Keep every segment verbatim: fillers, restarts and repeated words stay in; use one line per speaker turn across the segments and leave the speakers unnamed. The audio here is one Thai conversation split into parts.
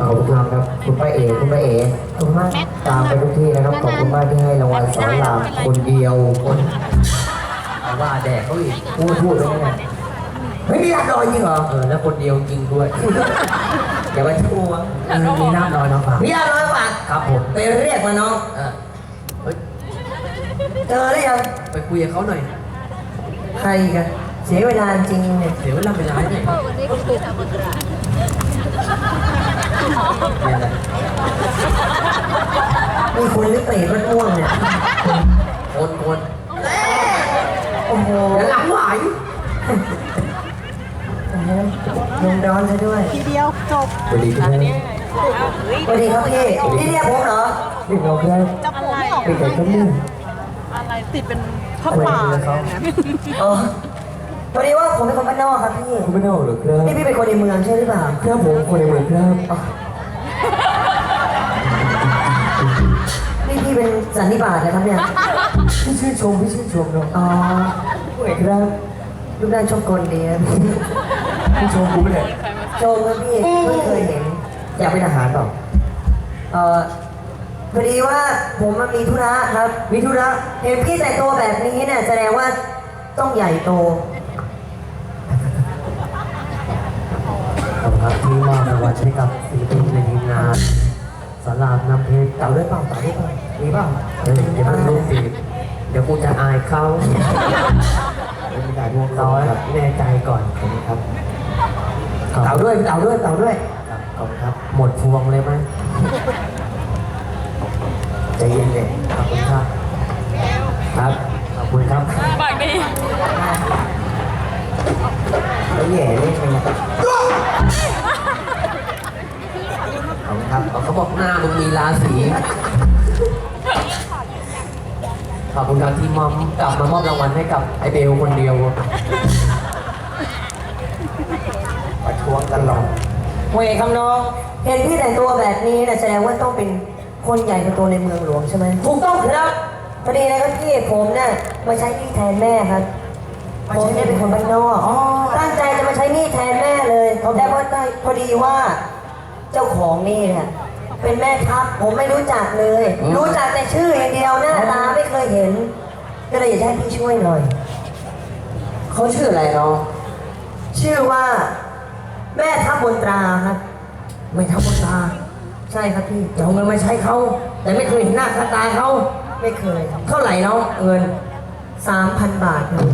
ขอบคุณครับคุณป้าเอ๋คุณป้าเอ๋ขอบคุณมากตามไปทุกที่นะครับขอบคุณมากที่ให้รางวัลสอนรามคนเดียวคนเอาว่าแดกเขาอีกพูดพูดไปไงไม่มีน้ำลอยจริงเหรอเออแล้วคนเดียวจริงด้วยอย่าไปชั่วมีน้ำลอยน้องฝากมีน้ำลอยฝากครับผมไปเรียกมาน้องเออเฮ้ยเจอแล้วยังไปคุยกับเขาหน่อยใครกันเสียเวลาจริงเนี่ยเสียเวลาไปร้านเนี่ยมีคนหรือเปรตมันม่วงเนี่ยคนคนโอ้โหหลังไหวลมร้อนซะด้วย
ทีเดียวจบ
สวัสดีครับสวัสดีครับพี่พี่เรียกผมเหรอเรียกเราครับ
จะผมไม่ออก
เป็นไก่ต้มนึ่ง
อะไรติดเป็นผ้าป่า
อ๋อพอดีว่าผมเป็นคนบ้านนอกครับพี่
คุณไม่ได้หรอครับ
นี่พี่เป็นคนในเมืองใช่หรือเปล่า
ครับผมคนในเมืองครับ
นี่พี่เป็นสันนิบาตนะครับเนี่ย
พี่ชื่นชมพี่ชื่นชมเนาะ
อ๋อ
ผู้ใหญ่ครับ
รูปร่างชมกลดีนะ
พี่ชมกูไม่ได้
ชมครับพี่เพิ่งเคยเห็นอยากเป็นทหารเปล่าเอ่อพอดีว่าผมมีธุระครับมีธุระเห็นพี่แต่งตัวแบบนี้เนี่ยแสดงว่าต้องใหญ่โต
ขอบครับที่มอบรางวัลให้กับศิลปินในทีมงานสารามน้ำเพชร
เต่าด้วยเปล่าเต่าด้วยเปล่ามีเปล่า
เฮ้ยเดี๋ยวมันรู้สิเดี๋ยวกูจะอายเขา
ไม่ได้พวก
ร้อยแน่ใจก่อนครับ
เต่าด้วยเต่าด้วยเต่าด้วย
ขอบคุณครับหมดพวงเลยไหม
ใจเย็นเลย
ขอบคุณครับครับขอบคุณครับ
ปากดี
แล้วแย่เล่นไง
ขอบคุณครับเขาบอกหน้ามึงมีราศีขอบคุณครับที่มอมกลับมามอบรางวัลให้กับไอเบลคนเดียว
ประท้วงกันหรอกเว้ยคำน้องเห็นพี่แต่งตัวแบบนี้นะแสดงว่าต้องเป็นคนใหญ่คนโตในเมืองหลวงใช่ไหมถูกต้องครับพอดีนะครับพี่ผมเนี่ยมาใช้หนี้แทนแม่ครับผมเนี่ยเป็นคนบ้านนอกตั้งใจจะมาใช้หนี้แทนแม่เลยแต่พอได้พอดีว่าเจ้าของหนี้เนี่ยเป็นแม่ทัพผมไม่รู้จักเลย รู้จักแต่ชื่ออย่างเดียวหน้าตาไม่เคยเห็นก็เลยอยากให้พี่ช่วยหน่อยเขาชื่ออะไรเนาะชื่อว่าแม่ทัพบนตราครับแม่ทัพบนตราใช่ครับพี่จะเอาเงินมาใช้เขาแต่ไม่เคยเห็นหน้าค่าตาเขาไม่เคยเท่าไหร่เนาะเงินสามพันบาทครับ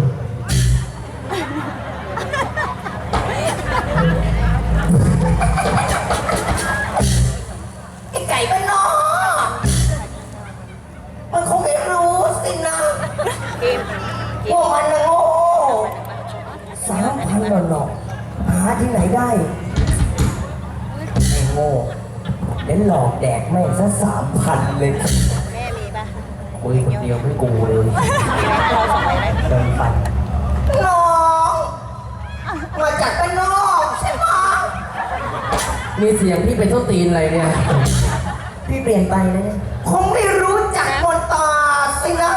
ไอ้ไก่บ้านนอกมันคงไม่รู้สินะว่ามันนะโง่สามพันหลอกหาที่ไหนได้ไอ้โง่เล่นหลอกแดกแม่งซะสามพันเลย
แม่มีปะ
คุยคนเดียวไม่กูเลยเดินไป
น้องมาจากบ้านนอกใช่ไหม
มีเสียงพี่เป็นต้นตีนอะไรเนี่ย
พี่เปลี่ยนไปนะเนี่ยคงไม่รู้จักมนตาสินะ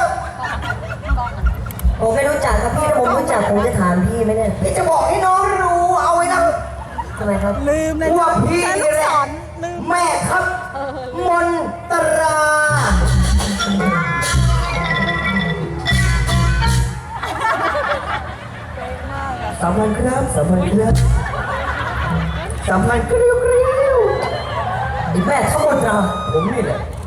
ผมไม่รู้จักครับพี่ถ้าผมรู้จักผมจะถามพี่ไหมเนี่ยพี่จะบอกให้น้องรู้เอาไว้นะทำไมครับ
ลืมเลย
ว่าพี่นี่แหละแม่ครับมนตราสามพันครับสามพันครับสามพันกริ้วกริ้วไอ้แม่ทัพมนตราผมนี่แหละ